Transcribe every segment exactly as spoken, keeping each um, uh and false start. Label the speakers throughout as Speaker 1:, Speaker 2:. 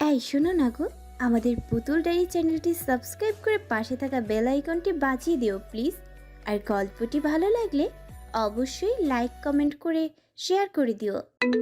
Speaker 1: এই শোনো না গো, আমাদের পুতুল ডায়েরি চ্যানেলটি সাবস্ক্রাইব করে পাশে থাকা বেল আইকনটি বাজিয়ে দিও প্লিজ। আর গল্পটি ভালো লাগলে অবশ্যই লাইক কমেন্ট করে শেয়ার করে দিও।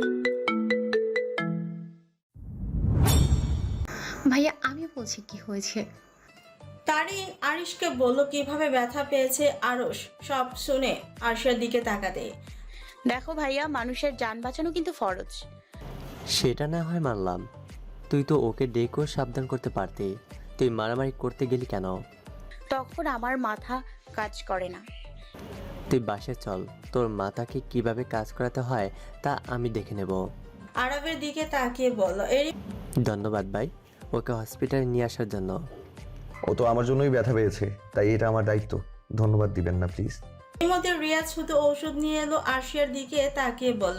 Speaker 2: ভাইয়া আমি বলছি কি হয়েছে।
Speaker 3: তারিন আরিশকে বলল কিভাবে ব্যথা পেয়েছে আরশ। সব শুনে আরশের দিকে তাকাতে।
Speaker 4: দেখো ভাইয়া, মানুষের যান বাঁচানো কিন্তু ফরজ।
Speaker 5: সেটা না হয় মানলাম, তুই তো ওকে ডেকেও সাবধান করতে পারতি। তুই মারামারি করতে গেলি কেন?
Speaker 4: তখন আমার মাথা কাজ করে না।
Speaker 5: তুই বাসে চল, তোর মাথাকে কিভাবে কাজ করাতে হয় তা আমি দেখে নেব।
Speaker 3: আরবের দিকে তাকিয়ে বলল, এরই
Speaker 5: ধন্যবাদ ভাই, ওকে হসপিটালে নিয়ে আসার জন্য।
Speaker 6: ও তো আমার জন্যই ব্যথা পেয়েছে, তাই এটা আমার দায়িত্ব। ধন্যবাদ দিবেন না প্লিজ।
Speaker 3: মধ্যে রিয়াজ শুধু ঔষধ নিয়ে এলো। আরশিয়ার দিকে তাকিয়ে বলল,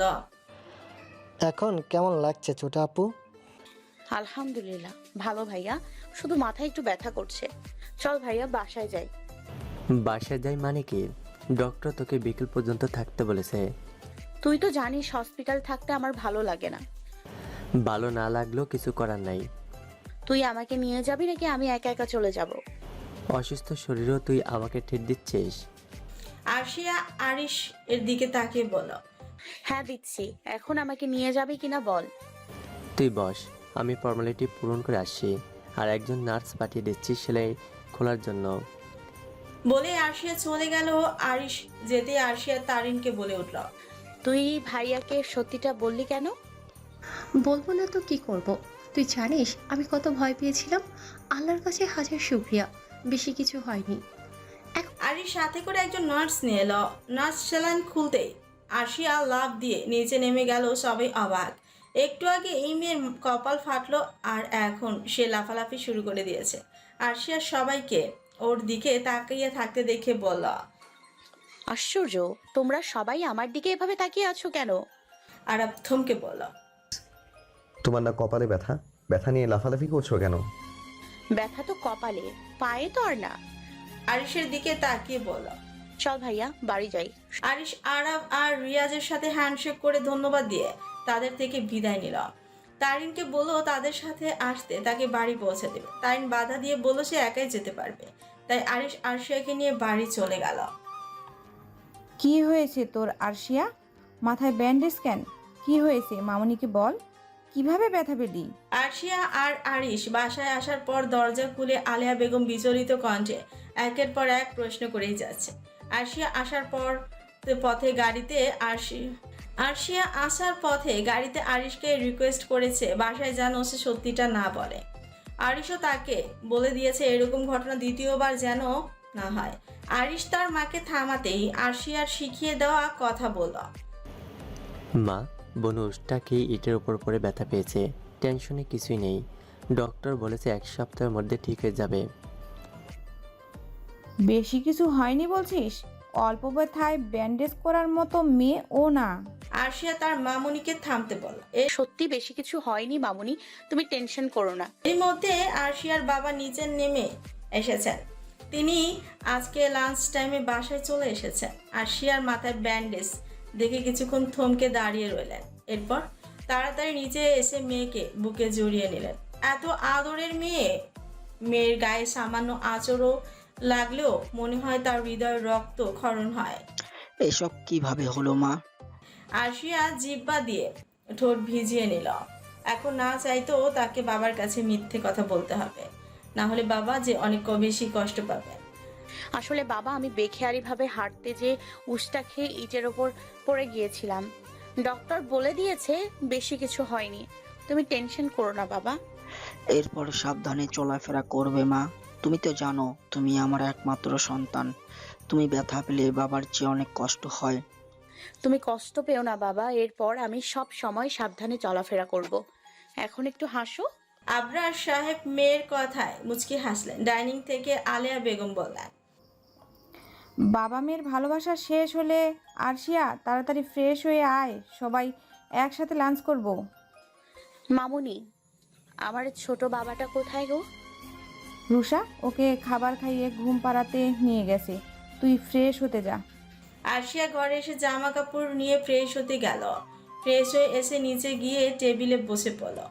Speaker 7: এখন কেমন লাগছে ছোট আপু?
Speaker 4: আলহামদুলিল্লাহ ভালো ভাইয়া, শুধু মাথায় একটু ব্যথা করছে। চল ভাইয়া বাসায় যাই।
Speaker 5: বাসায় যাই মানে কি? ডক্টর তোকে বিকেল পর্যন্ত থাকতে বলেছে।
Speaker 4: তুই তো জানিস হসপিটাল থাকতে আমার ভালো লাগে না।
Speaker 5: ভালো না লাগলেও কিছু করার নাই।
Speaker 4: তুই আমাকে নিয়ে যাবি নাকি আমি একা একা চলে যাব?
Speaker 5: অসুস্থ শরীরেও তুই আমাকে ঠেট দিচ্ছিস।
Speaker 3: আরশিয়া আরিশ এর দিকে তাকিয়ে বলল,
Speaker 4: হ্যাঁ দিচ্ছি, এখন আমাকে নিয়ে যাবি কিনা বল।
Speaker 5: তুই বস, আমি ফর্মালিটি পূরণ করে আসছি, আর একজন নার্স পাঠিয়ে দিচ্ছি সেলাই খোলার জন্য।
Speaker 3: বলে আরশিয়া চলে গেল। আরিশ যেতে আরশিয়া তারিনকে বলে উঠল,
Speaker 4: তুই ভাইয়াকে সত্যিটা বললি কেন?
Speaker 2: বলবো না তো কি করব। তুই জানিস আমি কত ভয় পেয়েছিলাম। আল্লাহর কাছে হাজার শুকরিয়া, বেশি কিছু হয়নি।
Speaker 3: আরিশ সাথে করে একজন নার্স নিয়ে এলো। নার্স সেলাইন খুলতেই আরশিয়া লাফ দিয়ে নিচে নেমে গেল। সবাই অবাক। একটু আগে এই মেয়ের কপাল ফাটলো আর এখন সে লাফালাফি শুরু করে দিয়েছে। আরশিয়া সবাইকে ওর দিকে তাকিয়ে থাকতে দেখে বলল,
Speaker 4: আশ্চর্য, তোমরা সবাই আমার দিকে এভাবে তাকিয়ে আছো কেন?
Speaker 3: আরব থমকে বলল,
Speaker 6: তোমার না কপালে ব্যথা? ব্যথা নিয়ে লাফালাফি করছো কেন?
Speaker 4: ব্যথা তো কপালে, পায়ে তো আর না।
Speaker 3: আরিশের দিকে তাকিয়ে বলল।
Speaker 4: চল ভাইয়া বাড়ি যাই।
Speaker 3: আরিশ আরব আর রিয়াজের সাথে হ্যান্ডশেক করে ধন্যবাদ দিয়ে তাদের থেকে বিদায় নিল। তারিনকে বলল তাদের সাথে আসতে, তাকে বাড়ি পৌঁছে দেবে। তারিন বাধা দিয়ে বলল সে একাই যেতে পারবে। তাই আরিশ আরশিয়াকে নিয়ে বাড়ি চলে গেল।
Speaker 8: কি হয়েছে তোর আরশিয়া? মাথায় ব্যান্ডেজ কেন? কি হয়েছে মামুনিকে বল। কিভাবে ব্যথা পেলি?
Speaker 3: আরশিয়া আর আরিশ বাসায় আসার পর দরজা খুলে আলেয়া বেগম বিচলিত কণ্ঠে একের পর এক প্রশ্ন করেই যাচ্ছে। আরশিয়া আসার পর পথে গাড়িতে আরশি আরশিয়া আসার পথে গাড়িতে আরিশকে রিকোয়েস্ট করেছে বাসায় যেন সে সত্যিটা না বলে। আরিশও তাকে বলে দিয়েছে এরকম ঘটনা দ্বিতীয়বার যেন না হয়। আরিশ তার মাকে থামাতেই আরশিয়ার শিখিয়ে দেওয়া কথা বলল,
Speaker 5: মা, বনুষটা কি ইটের উপর পড়ে ব্যথা পেয়েছে। টেনশনে কিছুই নেই, ডক্টর বলেছে এক সপ্তাহের মধ্যে ঠিক হয়ে যাবে।
Speaker 8: বেশি কিছু হয়নি বলছিস? অল্প ব্যথায় ব্যান্ডেজ করার মতো মেয়ে ও না।
Speaker 3: আরশিয়া তার মামুনিকে থামতে বলল।
Speaker 4: সত্যি বেশি কিছু হয়নি মামুনি, তুমি টেনশন করো না।
Speaker 3: এর মধ্যে আরশিয়ার বাবা নিচে নেমে এসেছেন। তিনি আজকে লাঞ্চ টাইমে বাসায় চলে এসেছেন। আরশিয়ার মাথায় ব্যান্ডেজ দেখে কিছুক্ষণ থমকে দাঁড়িয়ে রইলেন। এরপর তাড়াতাড়ি নিচে এসে মেয়েকে বুকে জড়িয়ে নিলেন। এত আদরের মেয়ে, মেয়ের গায়ে সামান্য আঁচড়ও লাগলেও মনে হয় তার হৃদয় রক্ত ক্ষরণ হয়।
Speaker 9: এসব কিভাবে হলো মা?
Speaker 3: আরশিয়া জিহ্বা দিয়ে ঠোঁট ভিজিয়ে নিল। এখন না চাইতেও তাকে বাবার কাছে মিথ্যে কথা বলতে হবে, না হলে বাবা যে অনেক বেশি কষ্ট পাবে।
Speaker 4: আসলে বাবা, আমি বেখেয়ালি ভাবে হাঁটতে যে উষ্টা খেয়ে ইটের ওপর পড়ে গিয়েছিলাম। ডক্টর বলে দিয়েছে বেশি কিছু হয়নি, তুমি টেনশন করো না বাবা।
Speaker 9: এরপর সাবধানে চলাফেরা করবে মা। তুমি তো জানো তুমি আমার একমাত্র সন্তান। তুমি ব্যথা পেলে বাবার চেয়ে অনেক কষ্ট হয়।
Speaker 4: তুমি কষ্ট পেও না বাবা, এরপর আমি সব সময় সাবধানে চলাফেরা করব। এখন একটু হাসো।
Speaker 3: আবরার সাহেব মেয়ের কথায় মুচকি হাসলেন। ডাইনিং থেকে আলেয়া বেগম বললেন,
Speaker 8: বাবা মেয়ের ভালোবাসা শেষ হলে আরশিয়া তাড়াতাড়ি ফ্রেশ হয়ে আয়, সবাই একসাথে লাঞ্চ করব।
Speaker 4: মামুনি, আমার ছোট বাবাটা কোথায় গো?
Speaker 8: রুষা ওকে খাবার খাইয়ে ঘুম পাড়াতে নিয়ে গেছে, তুই ফ্রেশ হতে যা।
Speaker 3: আরশিয়া ঘরে এসে জামা কাপড় নিয়ে ফ্রেশ হতে গেল। ফ্রেশ হয়ে এসে নিচে গিয়ে টেবিলে বসে পড়ল।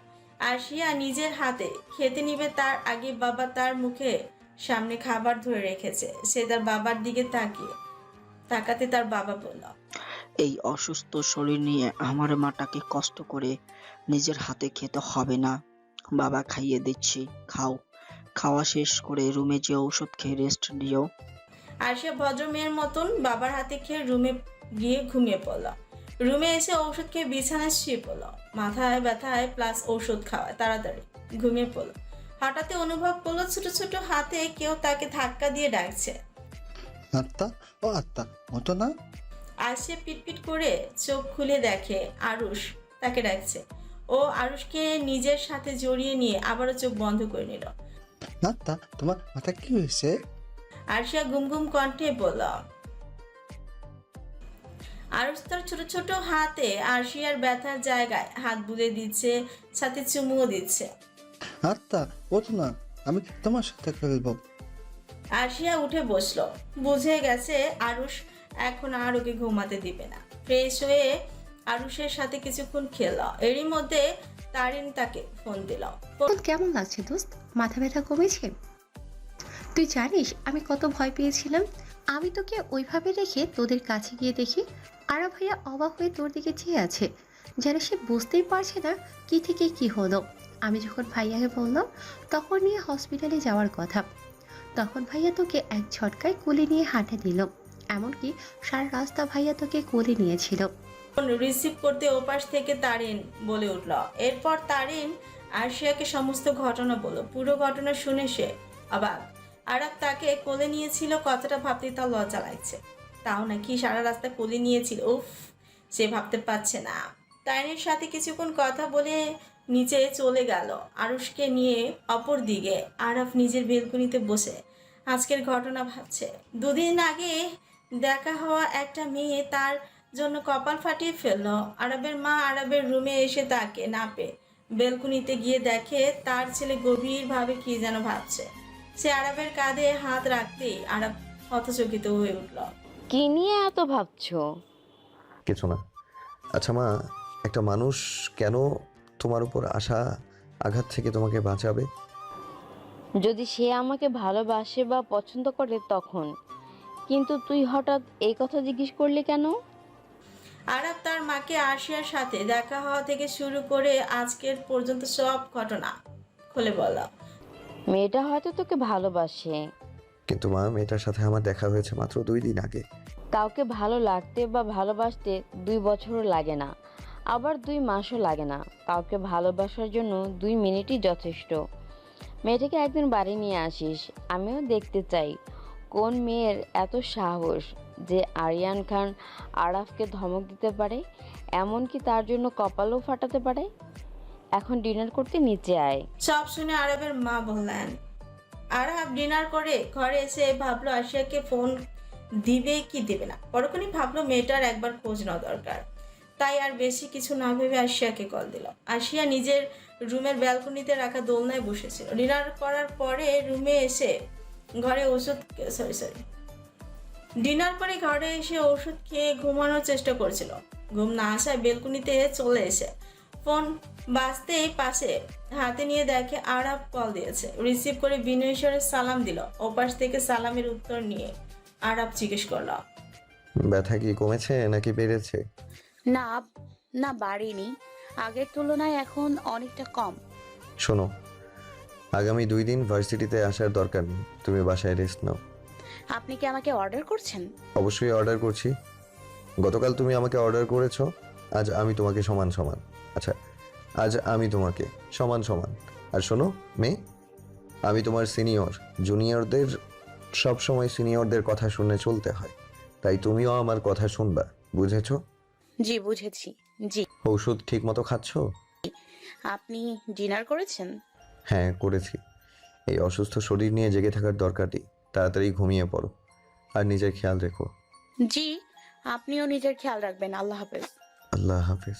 Speaker 3: আরশিয়া নিজের হাতে খেতে নিবে তার আগে বাবা তার মুখে সামনে খাবার ধরে রেখেছে। সে তার বাবার দিকে তাকিয়ে তাকাতে তার বাবা বলল,
Speaker 9: এই অসুস্থ শরীর নিয়ে আমার মাটাকে কষ্ট করে নিজের হাতে খেতে হবে না। বাবা খাইয়ে দিচ্ছি, খাও। খাওয়া শেষ করে রুমে যে ঔষধ খেয়ে রেস্ট নিও।
Speaker 3: আরশিয়া ভদ্র মেয়ের মতন বাবার হাতে খেয়ে রুমে গিয়ে ঘুমিয়ে পড়ল। রুমে এসে ঔষধ খেয়ে বিছানায় শুয়ে পড়ল। মাথায় ব্যথায় প্লাস ঔষধ খাওয়ায় তাড়াতাড়ি ঘুমিয়ে পড়ল। হঠাৎ অনুভব করলো ছোট ছোট হাতে কেউ তাকে ধাক্কা দিয়ে ডাকছে।
Speaker 10: আত্মা ও আত্মা মতো না।
Speaker 3: আরশিয়া পিটপিট করে চোখ খুলে দেখে আরুষ তাকে ডাকছে। ও আরুষকে নিজের সাথে জড়িয়ে নিয়ে আবারও চোখ বন্ধ করে নিল।
Speaker 10: আত্মা তোমার মাথা কি হয়েছে?
Speaker 3: আরশিয়া ঘুম ঘুম কণ্ঠে বলল। আরুষ তার ছোট ছোট হাতে আরশিয়ার ব্যথার জায়গায় হাত বুলে দিচ্ছে, সাথে চুমুও দিচ্ছে।
Speaker 10: আত্মা ওঠো না, আমি তোমার সাথে খেলবো।
Speaker 3: আরশিয়া উঠে বসলো। বুঝে গেছে আরুষ এখন আর ওকে ঘুমাতে দিবে না। ফ্রেশ হয়ে আরুষের সাথে কিছুক্ষণ খেল। এরই মধ্যে তারিন তাকে ফোন দিল।
Speaker 2: এখন কেমন লাগছে দোস্ত? মাথা ব্যথা কমেছে? তুই জানিস আমি কত ভয় পেয়েছিলাম। আমি তোকে ওইভাবে রেখে তোদের কাছে গিয়ে দেখি আরা ভাইয়া অবাক হয়ে তোর দিকে চেয়ে আছে, যেন সে বুঝতেই পারছে না কি থেকে কি হলো। আমি যখন ভাইয়াকে বললাম তখন নিয়ে হসপিটালে যাওয়ার কথা, তখন ভাইয়া তোকে এক ঝটকায় কোলে নিয়ে হাঁটা দিল। এমনকি সারা রাস্তা ভাইয়া তোকে কোলে নিয়েছিল।
Speaker 3: ফোন রিসিভ করতে ওপাশ থেকে তারিন বলে উঠল। এরপর তারিন আরশিয়াকে সমস্ত ঘটনা বলল। পুরো ঘটনা শুনে সে অবাক। আরাব তাকে কোলে নিয়েছিল, কথাটা ভাবতে তার লজ্জা লাগছে। তাও নাকি সারা রাস্তা কোলে নিয়েছিল। উফ, সে ভাবতে পারছে না। তারিনের সাথে কিছুক্ষণ কথা বলে নিচে চলে গেল। আরুষকে নিয়ে অপর দিকে আরাফ নিজের বেলকনিতে বসে আজকের ঘটনা ভাবছে। দুদিন আগে দেখা হওয়া একটা মেয়ে তার জন্য কপাল ফাটিয়ে ফেলল। আরবের মা আরবের রুমে এসে তাকে না পেয়ে বেলকনিতে গিয়ে দেখে তার ছেলে গভীরভাবে কি যেন ভাবছে। সে আরবের কাঁধে হাত রাখতেই আরব হতচকিত হয়ে উঠল।
Speaker 11: কি নিয়ে এত ভাবছো?
Speaker 6: কিছু না। আচ্ছা মা, একটা মানুষ কেন তোমার উপর আসা আঘাত থেকে তোমাকে বাঁচাবে?
Speaker 11: যদি সে আমাকে ভালোবাসে বা পছন্দ করে তখন। কিন্তু তুই হঠাৎ এই কথা জিজ্ঞেস করলি কেন?
Speaker 3: আরব তার মাকে আরশিয়ার সাথে দেখা হওয়া থেকে শুরু করে আজকের পর্যন্ত সব ঘটনা খুলে বলল।
Speaker 11: মেয়েটা হয়তো তোকে ভালোবাসে,
Speaker 6: কিন্তু মা, মেয়েটার সাথে আমার দেখা হয়েছে মাত্র দুই দিন আগে।
Speaker 11: কাউকে ভালো লাগতে বা ভালোবাসতে দুই বছরও লাগে না, আবার দুই মাসও লাগে না। কাউকে ভালোবাসার জন্য দুই মিনিটই যথেষ্ট। মেয়েটাকে একদিন বাড়ি নিয়ে আসিস, আমিও দেখতে চাই কোন মেয়ের এত সাহস যে আরিয়ান খান আরাফকে ধমক দিতে পারে, এমনকি তার জন্য কপালও ফাটাতে পারে। এখন ডিনার করতে নিচে আয়।
Speaker 3: সব শুনে আরবের মা বললেন। আরব ডিনার করে ঘরে এসে ভাবলো আরশিয়াকে ফোন দিবে কি দেবে না। পরক্ষণই ভাবলো মেয়েটার একবার খোঁজ নেওয়া দরকার। তাই আর বেশি কিছু না ভেবে আরশিয়াকে কল দিল। আরশিয়া নিজের রুমের ব্যালকনিতে রাখা দোলনায় বসেছিল। ডিনার করার পরে রুমে এসে ঘরে ওষুধ সরি সরি ডিনার করে ঘরে এসে ওষুধ খেয়ে ঘুমানোর চেষ্টা করছিল। ঘুম না আসায় বেলকনিতে চলে এসে ফোন বাজতেই পাশে হাতে নিয়ে দেখে আরব কল দিয়েছে। রিসিভ করে বিনয় স্বরে সালাম দিল। ওপাশ থেকে সালামের উত্তর নিয়ে আরব জিজ্ঞেস করল,
Speaker 6: ব্যথা কি কমেছে নাকি বেড়েছে?
Speaker 4: না না, বাড়েনি, আগের তুলনায় এখন অনেকটা কম।
Speaker 6: শোনো, আগামী দুই দিন ভার্সিটিতে আসার দরকার নেই, তুমি বাসায় রেস্ট নাও।
Speaker 4: আপনি কি আমাকে অর্ডার করছেন?
Speaker 6: অবশ্যই অর্ডার করছি। গতকাল তুমি আমাকে অর্ডার করেছো, আজ আমি তোমাকে সমান সমান। আচ্ছা, আজ আমি তোমাকে সমান সমান। আর শোনো মেয়ে, আমি তোমার সিনিয়র, জুনিয়রদের সব সময় সিনিয়রদের কথা শুনে চলতে হয়, তাই তুমিও আমার কথা শুনবা, বুঝেছো?
Speaker 4: জি বুঝেছি। জি।
Speaker 6: ঔষধ ঠিক মতো খাচ্ছো?
Speaker 4: আপনি ডিনার করেছেন?
Speaker 6: হ্যাঁ করেছি। এই অসুস্থ শরীর নিয়ে জেগে থাকার দরকার নেই, তাড়াতাড়ি ঘুমিয়ে পড়ো আর নিজের খেয়াল রেখো।
Speaker 4: জি, আপনিও নিজের খেয়াল রাখবেন। আল্লাহ হাফেজ।
Speaker 6: আল্লাহ হাফেজ।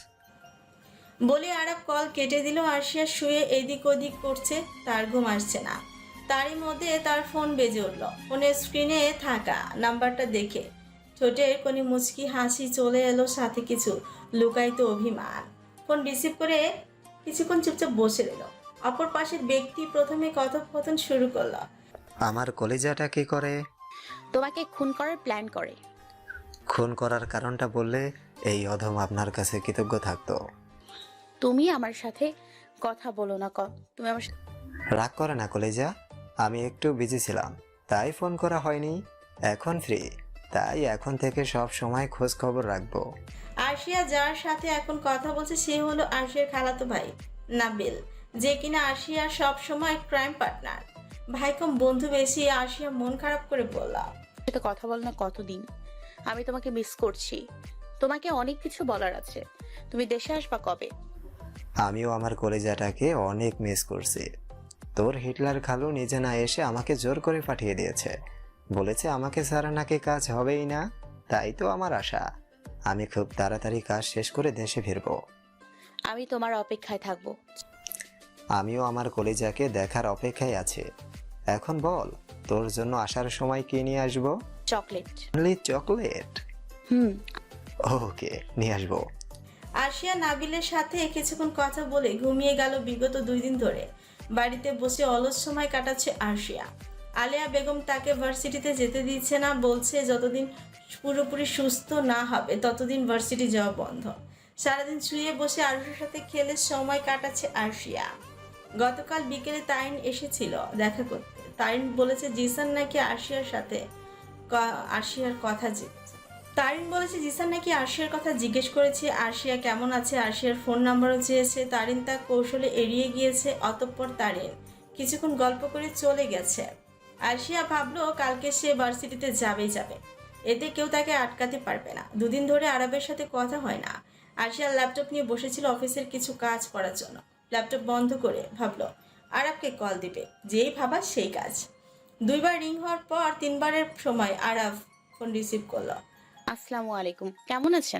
Speaker 3: বলে আরব কল কেটে দিল। আরশিয়া শুয়ে এদিক ওদিক করছে, তার ঘুম আসছে না। তারই মধ্যে তার ফোন বেজে উঠল। ফোনের স্ক্রিনে থাকা নাম্বারটা দেখে ঠোঁটের কোণে মুচকি হাসি চলে এলো, সাথে কিছু লুকায়িত অভিমান। ফোন রিসিভ করে কিছুক্ষণ চুপচাপ বসে রইল। অপর পাশের ব্যক্তি প্রথমে কথোপকথন শুরু করলো।
Speaker 12: আমার কলিজাটা কি করে?
Speaker 4: তোমাকে খুন করার প্ল্যান করে।
Speaker 12: খুন করার কারণটা বললে এই অধম আপনার কাছে কৃতজ্ঞ থাকতো।
Speaker 4: তুমি আমার সাথে কথা বলো না, ক তুমি আমার সাথে-
Speaker 12: রাগ করে না কলিজা, আমি একটু বিজি ছিলাম তাই ফোন করা হয়নি। এখন ফ্রি, তাই এখন থেকে সব সময় খোঁজ খবর রাখবো।
Speaker 3: আরশিয়া যার সাথে এখন কথা বলছে সে হলো আরশিয়ার খালাতো ভাই নাবিল, যে কিনা আরশিয়ার সব সময় ক্রাইম পার্টনার। ভাই কম বন্ধু বেশি। আরশিয়া মন খারাপ করে বলল,
Speaker 4: সাথে কথা বল না কতদিন। আমি তোমাকে মিস করছি, তোমাকে অনেক কিছু বলার আছে। তুমি দেশে আসবা কবে?
Speaker 12: আমিও আমার কলিজাটাকে অনেক মিস করছি। তোর হিটলার খালু নিজে না এসে আমাকে জোর করে পাঠিয়ে দিয়েছে, বলেছে আমাকে ছাড়া নাকি কাজ হবেই না। তাই তো আমার আশা আমি খুব তাড়াতাড়ি কাজ শেষ করে দেশে ফিরবো।
Speaker 4: আমি তোমার অপেক্ষায় থাকবো।
Speaker 12: আমিও আমার কলিজাকে দেখার অপেক্ষায় আছি। এখন বল, তোর জন্য আসার সময় কি নিয়ে আসবো?
Speaker 4: চকলেট।
Speaker 12: চকলেট?
Speaker 4: হুম।
Speaker 12: ওকে, নিয়ে আসবো।
Speaker 3: আরশিয়া নাবিলের সাথে কিছুক্ষণ কথা বলে ঘুমিয়ে গেল। বিগত দুই দিন ধরে বাড়িতে বসে অলস সময় কাটাচ্ছে আরশিয়া। আলেয়া বেগম তাকে ভার্সিটিতে যেতে দিচ্ছে না, বলছে যতদিন পুরোপুরি সুস্থ না হবে ততদিন ভার্সিটি যাওয়া বন্ধ। সারাদিন শুয়ে বসে আরুষের সাথে খেলে সময় কাটাচ্ছে আরশিয়া। গতকাল বিকেলে তারিন এসেছিল দেখা করতে। তারিন বলেছে জিসান নাকি আরশিয়ার সাথে আরশিয়ার কথা তারিন বলেছে জিসান নাকি আরশিয়ার কথা জিজ্ঞেস করেছে, আরশিয়া কেমন আছে, আরশিয়ার ফোন নাম্বারও চেয়েছে। তারিন তা কৌশলে এড়িয়ে গিয়েছে। অতঃপর তারিন কিছুক্ষণ গল্প করে চলে গেছে। আরশিয়া ভাবলো কালকে সে ভার্সিটিতে যাবেই যাবে, এতে কেউ তাকে আটকাতে পারবে না। দুদিন ধরে আরবের সাথে কথা হয় না। আরশিয়া ল্যাপটপ নিয়ে বসেছিল অফিসের কিছু কাজ করার জন্য। ল্যাপটপ বন্ধ করে ভাবলো আরবকে কল দিবে, যেই ভাবা সেই কাজ। দুইবার রিং হওয়ার পর তিনবারের সময় আরব ফোন রিসিভ করলো।
Speaker 4: আসসালামু আলাইকুম, কেমন আছেন?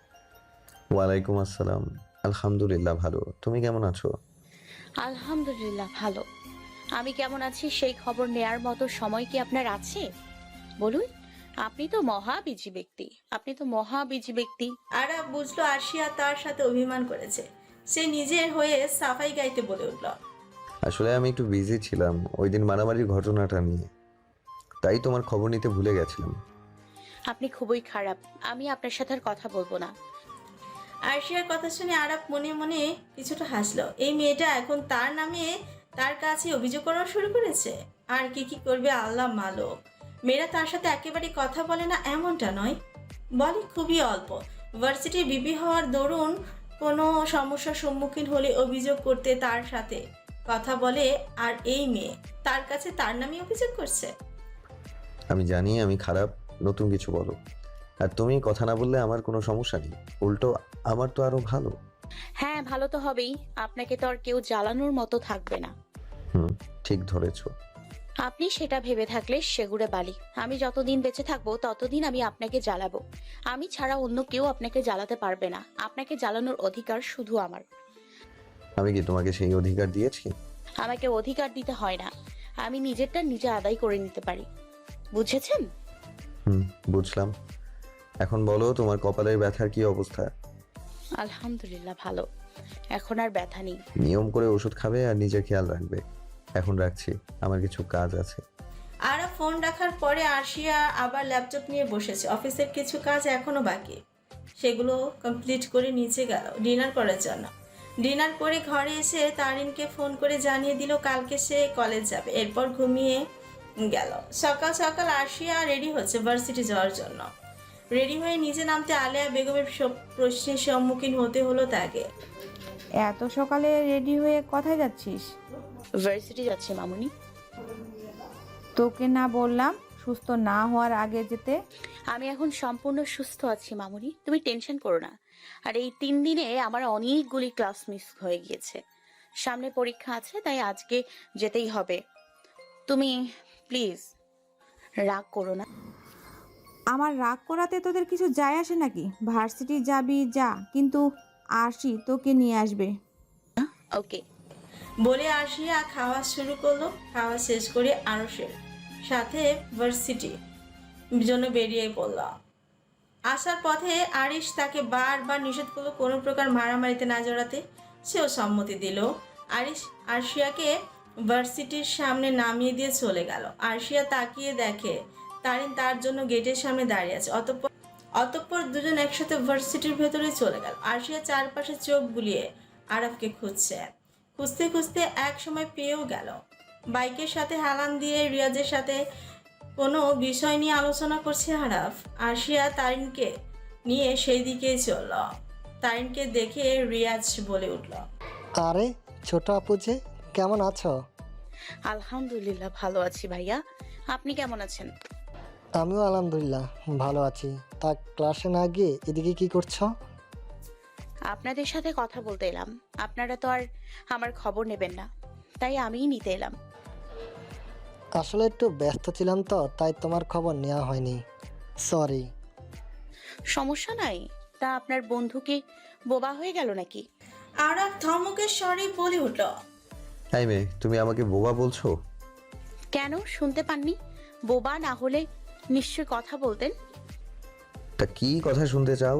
Speaker 6: ওয়ালাইকুম আসসালাম, আলহামদুলিল্লাহ ভালো। তুমি কেমন আছো?
Speaker 4: আলহামদুলিল্লাহ ভালো। আমি কেমন আছি সেই খবর নেয়ার মতো সময় কি আপনার আছে? বলুন, আপনি তো মহাবিজি ব্যক্তি, আপনি তো মহাবিজি ব্যক্তি।
Speaker 3: আরব বুঝলো আরশিয়া তার সাথে অভিমান করেছে। সে নিজের হয়ে সাফাই গাইতে বলে উঠল,
Speaker 6: আসলে আমি একটু বিজি ছিলাম ওই দিন মারামারির ঘটনাটা নিয়ে, তাই তোমার খবর নিতে ভুলে গেছিলাম।
Speaker 4: আপনি খুবই খারাপ, আমি আপনার সাথে আর কথা বলবো না।
Speaker 3: আরশিয়ার কথা শুনে আরব মনে মনে কিছুটা হাসলো। এই মেয়েটা এখন তার নামে তার কাছে অভিযোগ করা শুরু করেছে। আর কি কি করবে আল্লাহ মালুম। মেয়েরা তার সাথে একেবারে কথা বলে না এমনটা নয়, বলে খুবই অল্প। ভার্সিটির বিপি হওয়ার দরুন কোনো সমস্যার সম্মুখীন হলে অভিযোগ করতে তার সাথে কথা বলে। আর এই মেয়ে তার কাছে তার নামে অভিযোগ করছে।
Speaker 6: আমি জানি আমি খারাপ, নতুন কিছু বলো। আর তুমি কথা না বললে আমার কোনো সমস্যা নেই, উল্টো আমার তো আরো ভালো।
Speaker 4: হ্যাঁ, ভালো তো হবেই, আপনাকে তো আর কেউ জ্বালানোর মতো থাকবে না।
Speaker 6: হুম, ঠিক ধরেছো।
Speaker 4: আপনি সেটা ভেবে থাকলে সেগুড়ে বালি। আমি যতদিন বেঁচে থাকবো ততদিন আমি আপনাকে জ্বালাবো। আমি ছাড়া অন্য কেউ আপনাকে জ্বালাতে পারবে না। আপনাকে জ্বালানোর অধিকার শুধু আমার।
Speaker 6: আমি কি তোমাকে সেই অধিকার দিয়েছি?
Speaker 4: আমাকে অধিকার দিতে হয় না, আমি নিজেরটা নিজে আদায় করে নিতে পারি। বুঝেছেন?
Speaker 6: হুম, বুঝলাম। এখন বলো তোমার কপালের ব্যথার কি অবস্থা?
Speaker 4: আলহামদুলিল্লাহ ভালো, এখন আর ব্যথা নেই।
Speaker 6: নিয়ম করে ওষুধ খাবে আর নিজের খেয়াল রাখবে। এখন রাখছি, আমার কিছু কাজ আছে।
Speaker 3: আর ফোন রাখার পরে আরশিয়া আবার ল্যাপটপ নিয়ে বসেছে। অফিসের কিছু কাজ এখনো বাকি, সেগুলো কমপ্লিট করে নিচে গেল ডিনার করার জন্য। ডিনার করে ঘরে এসে তারিনকে ফোন করে জানিয়ে দিল কালকে সে কলেজ যাবে। এরপর ঘুমিয়ে গেল। সকাল সকাল আরশিয়া রেডি হচ্ছে ভার্সিটি যাওয়ার জন্য। রেডি হয়ে নিচে নামতে আলেয়া বেগমের সব প্রশ্নের সম্মুখীন হতে হলো তাকে।
Speaker 8: এত সকালে রেডি হয়ে কোথায় যাচ্ছিস?
Speaker 4: ভার্সিটি যাচ্ছে মামুনি।
Speaker 8: তোকে না বললাম সুস্থ না হওয়ার আগে যেতে?
Speaker 4: আমি এখন সম্পূর্ণ সুস্থ আছি মামুনি, তুমি টেনশন করো না। আর এই তিন দিনে আমার অনেকগুলি ক্লাস মিস হয়ে গিয়েছে। সামনে পরীক্ষা আছে, তাই আজকে যেতেই হবে। তুমি প্লিজ রাগ করো না।
Speaker 8: আমার রাগ করাতে তোদের কিছু যায় আসে নাকি? ভার্সিটি যাবি যা, কিন্তু আরশি তোকে নিয়ে আসবে।
Speaker 4: ওকে
Speaker 3: বলে আরশিয়া খাওয়া শুরু করলো। খাওয়া শেষ করে আরশের সাথে ভার্সিটি জন্য বেরিয়ে পড়ল। আসার পথে আরিশ তাকে বারবার নিষেধ করলো কোনো প্রকার মারামারিতে না জড়াতে। সেও সম্মতি দিল। আরিশ আরশিয়াকে ভার্সিটির সামনে নামিয়ে দিয়ে চলে গেল। আরশিয়া তাকিয়ে দেখে তারিন তার জন্য গেটের সামনে দাঁড়িয়ে আছে। অতঃপর অতঃপর দুজন একসাথে ভার্সিটির ভেতরে চলে গেল। আরশিয়া চারপাশে চোখ বুলিয়ে আরাফকে খুঁজছে। খুঁজতে খুঁজতে এক সময় পেয়েও গেল। বাইকের সাথে হেলান দিয়ে রিয়াজের সাথে কোনো বিষয় নিয়ে আলোচনা করছে আরাফ। আরশিয়া তারিনকে নিয়ে সেই দিকেই চলল। তারিনকে দেখে রিয়াজ বলে উঠল,
Speaker 7: আরে ছোট আপু যে, কেমন আছো?
Speaker 4: আলহামদুলিল্লাহ ভালো আছি ভাইয়া, আপনি কেমন আছেন?
Speaker 7: আমিও আলহামদুলিল্লাহ ভালো আছি। তা ক্লাসে না গিয়ে এদিকে কি করছো?
Speaker 4: আপনাদের সাথে কথা বলতে এলাম। আপনারা তো আর আমার খবর নেবেন না, তাই আমিই নিতে এলাম।
Speaker 7: আসলে একটু ব্যস্ত ছিলাম তো, তাই তোমার খবর নেওয়া হয়নি, সরি।
Speaker 4: সমস্যা নাই। তা আপনার বন্ধু কি বোবা হয়ে গেল নাকি?
Speaker 3: আরাফ ধমকের স্বরে বলে উঠল,
Speaker 6: এই মেয়ে, তুমি আমাকে বোবা বলছো?
Speaker 4: কেন, শুনতে পাননি? বোবা না হলে নিশ্চয় কথা বলতেন।
Speaker 6: তা কি কথা শুনতে চাও?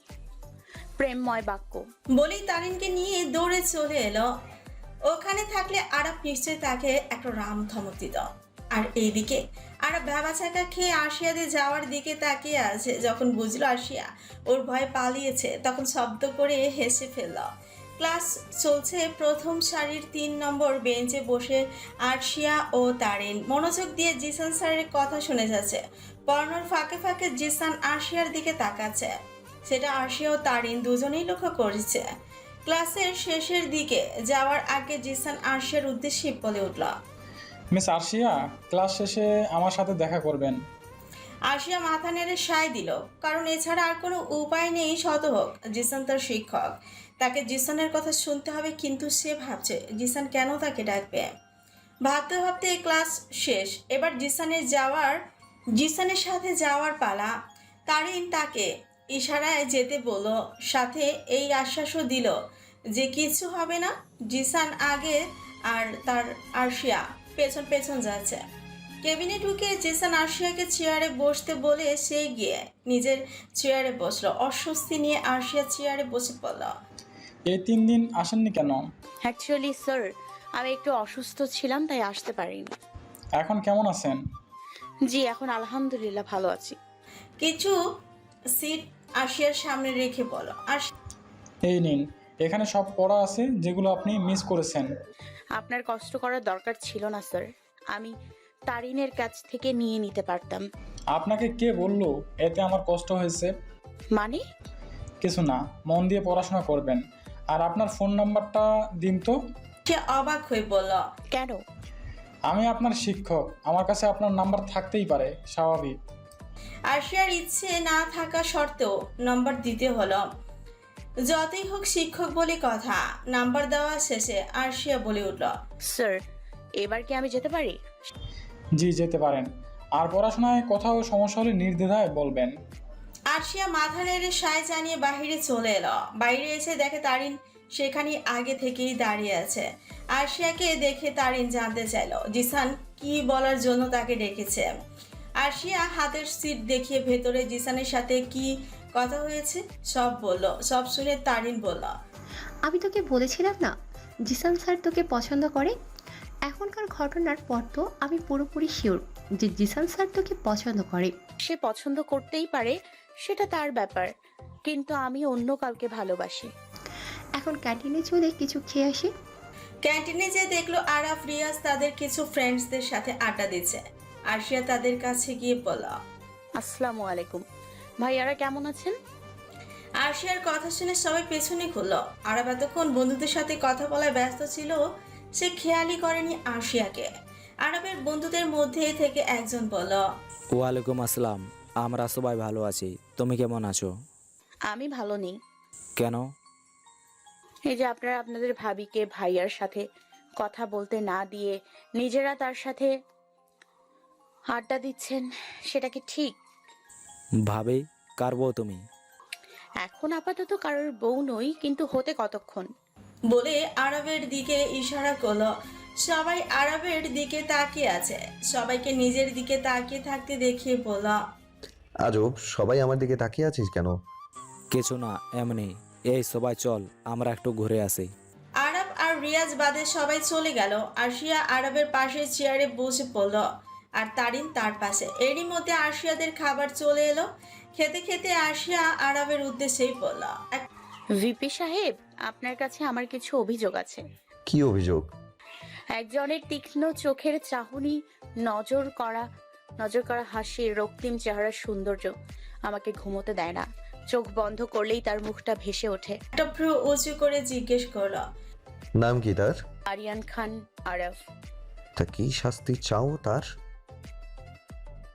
Speaker 4: প্রেমময় বাক্য।
Speaker 3: বলেই তারিনকে নিয়ে দৌড়ে চলে এলো। ওখানে থাকলে আরাফ নিশ্চয়ই তাকে একটা রাম ধমক দিত। আর এইদিকে আরাফ ভেবা চাকা খেয়ে আরশিয়াদের যাওয়ার দিকে তাকিয়ে আছে। যখন বুঝলো আরশিয়া ওর ভয়ে পালিয়েছে, তখন শব্দ করে হেসে ফেলল। ক্লাস চলছে। প্রথম সারির তিন নম্বর বেঞ্চে বসে আরশিয়া ও তারিন মনোযোগ দিয়ে জিসান স্যারের কথা শুনে যাচ্ছে। পড়ানোর ফাঁকে ফাঁকে জিসান আরশিয়ার দিকে তাকাচ্ছে। সেটা আরশিয়া ও তারিন দুজনেই লক্ষ্য করেছে। ক্লাসের শেষের দিকে যাওয়ার আগে জিসান আরশিয়ার উদ্দেশ্যে বলে উঠল,
Speaker 13: মিস আরশিয়া, ক্লাস শেষে আমার সাথে দেখা করবেন।
Speaker 3: আরশিয়া মাথা নেড়ে সায় দিল, কারণ এছাড়া আর কোনো উপায় নেই। শত হোক জিসান তার শিক্ষক, তাকে জিসানের কথা শুনতে হবে। কিন্তু সে ভাবছে জিসান কেন তাকে ডাকবে। ভাবতে ভাবতে ক্লাস শেষ। এবার জিসানের যাওয়ার জিসানের সাথে যাওয়ার পালা। তারিন তাকে ইশারায় যেতে বলল, সাথে এই আশ্বাসও দিল যে কিছু হবে না। জিসান আগে আর তার আরশিয়া পেছন পেছন যাচ্ছে। কেবিনে ঢুকে জিসান আরশিয়াকে চেয়ারে বসতে বলে সে গিয়ে নিজের চেয়ারে বসলো। অস্বস্তি নিয়ে আরশিয়া চেয়ারে বসে পড়ল।
Speaker 13: এই তিন দিন আসেননি কেন?
Speaker 4: অ্যাকচুয়ালি স্যার, আমি একটু অসুস্থ ছিলাম, তাই আসতে পারিনি।
Speaker 13: এখন কেমন আছেন?
Speaker 4: জি, এখন আলহামদুলিল্লাহ ভালো আছি।
Speaker 3: কিছু সিট আরশিয়ার সামনে রেখে বলো, আর
Speaker 13: এই নিন, এখানে সব পড়া আছে যেগুলো আপনি মিস করেছেন।
Speaker 4: আপনার কষ্ট করার দরকার ছিল না স্যার, আমি তারিনের কাছ থেকে নিয়ে নিতে পারতাম।
Speaker 13: আপনাকে কে বললো এতে আমার কষ্ট হয়েছে?
Speaker 4: মানে?
Speaker 13: কিছু না, মন দিয়ে পড়াশোনা করবেন। আর আপনার ফোন নাম্বারটা দিন তো।
Speaker 3: সে অবাক হয়ে বলল,
Speaker 4: কেন?
Speaker 13: আমি আপনার শিক্ষক, আমার কাছে আপনার নাম্বার থাকতেই পারে, স্বাভাবিক।
Speaker 3: আরশিয়ার ইচ্ছে না থাকা সত্ত্বেও নাম্বার দিতে হলো। যতই হোক শিক্ষক বলে কথা। নাম্বার দেওয়া শেষে আরশিয়া বলে উঠল,
Speaker 4: স্যার, এবার কি আমি যেতে পারি?
Speaker 13: জি, যেতে পারেন। আর পড়াশোনায় কোথাও সমস্যা হলে নির্দ্বিধায় বলবেন।
Speaker 3: আরশিয়া মাথা নেড়ে সায় জানিয়ে বাহিরে চলে এলো। বাইরে এসে দেখে তারিন সেখানে আগে থেকেই দাঁড়িয়ে আছে। আরশিয়াকে দেখে তারিন জানতে চাইল জিসান কি বলার জন্য তাকে ডেকেছে। আরশিয়া হাতের সিট দেখিয়ে ভেতরে জিসানের সাথে কি কথা হয়েছে সব বলল। সব শুনে তারিন বলল,
Speaker 2: আমি তোকে বলেছিলাম না জিসান স্যার তোকে পছন্দ করে। এখনকার ঘটনার পর তো আমি পুরোপুরি শিওর যে জিসান স্যার তোকে পছন্দ করে।
Speaker 4: সে পছন্দ করতেই পারে, সেটা তার ব্যাপার, কিন্তু আমি অন্য কাউকে ভালোবাসি।
Speaker 2: এখন ক্যান্টিনে চলে কিছু খেয়ে আসি।
Speaker 3: ক্যান্টিনে যে দেখলো আরাফ, রিয়াজ তাদের কিছু ফ্রেন্ডসদের সাথে আড্ডা দিচ্ছে। আরশিয়া তাদের কাছে গিয়ে বলল,
Speaker 4: আসসালামু আলাইকুম ভাইয়ারা, কেমন আছেন?
Speaker 3: আরশিয়ার কথা শুনে সবাই পেছনে ঘুরলো। আরাফ এতক্ষণ বন্ধুদের সাথে কথা বলায় ব্যস্ত ছিল, সে খেয়ালই করেনি আরশিয়াকে। আরাফের বন্ধুদের মধ্যে থেকে একজন বলল,
Speaker 14: ওয়ালাইকুম আসসালাম, আমরা সবাই ভালো আছি, তুমি কেমন আছো?
Speaker 4: আমি ভালো নেই।
Speaker 14: কেন?
Speaker 4: এই যে আপনারা আপনাদের ভাবিকে ভাইয়ার সাথে কথা বলতে না দিয়ে নিজেরা তার সাথে আড্ডা দিচ্ছেন, সেটা কি ঠিক?
Speaker 14: ভাবি, কার বউ তুমি?
Speaker 4: এখন আপাতত কারোর বউ নই, কিন্তু হতে কতক্ষণ।
Speaker 3: বলে আরবের দিকে ইশারা করলো। সবাই আরবের দিকে তাকিয়ে আছে। সবাইকে নিজের দিকে তাকিয়ে থাকতে দেখিয়ে বলল,
Speaker 6: আজব, সবাই আমার দিকে তাকিয়ে আছিস কেন?
Speaker 14: কিছু না, এমনি। এই সবাই চল, আমরা একটু ঘুরে আসি।
Speaker 3: রিয়াজ বাদে সবাই চলে গেল। আরশিয়া আরবের পাশে চেয়ারে বসে পড়ল আর তারিন তার পাশে। এরই মধ্যে আরশিয়াদের খাবার চলে এলো। খেতে খেতে আরশিয়া আরবের উদ্দেশ্যেই বলল,
Speaker 4: ভিপি সাহেব, আপনার কাছে আমার কিছু অভিযোগ আছে।
Speaker 6: কি অভিযোগ?
Speaker 4: একজনের তীক্ষ্ণ চোখের চাহনি, নজর করা নজর করা হাসি, রক্তিম চেহারার সৌন্দর্য আমাকে ঘুমোতে দেয় না। চোখ বন্ধ করলেই তার মুখটা ভেসে ওঠে।
Speaker 3: একটা ভ্রু উঁচু করে জিজ্ঞেস করলো,
Speaker 6: নাম কি তার?
Speaker 4: আরিয়ান খান আরব।
Speaker 6: তা কি শাস্তি চাও তার?